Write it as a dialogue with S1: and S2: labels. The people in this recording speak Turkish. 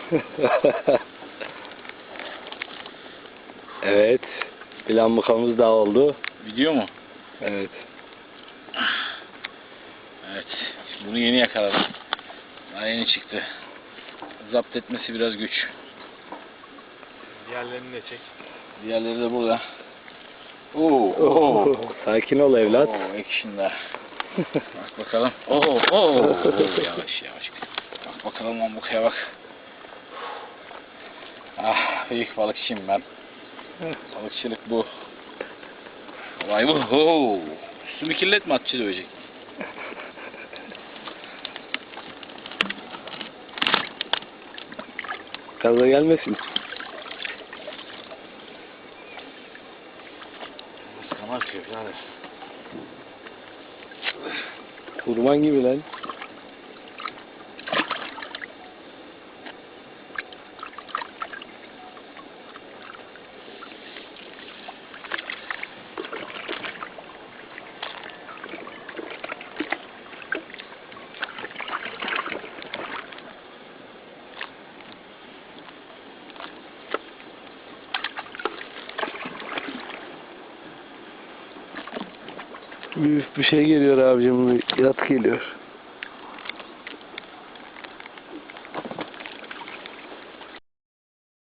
S1: Evet. Bir lambukamız daha oldu.
S2: Gidiyor mu?
S1: Evet.
S2: Evet. Bunu yeni yakaladım. Daha yeni çıktı. Zapt etmesi biraz güç.
S3: Diğerlerini de çek.
S2: Diğerleri de burada. Oo.
S1: Sakin ol evlat.
S2: Action'da. Bak bakalım. Oo. Yavaş yavaş. Bak bakalım Mambuka'ya bak. Ah, büyük balıkçıyım ben. Balıkçılık bu. Olay bu. Üstümü kirletme, atçı dövecek.
S1: Gaza gelmesin.
S2: Kana atıyor birader.
S1: Kurban gibi lan. Büyük bir şey geliyor abicim. Yat geliyor.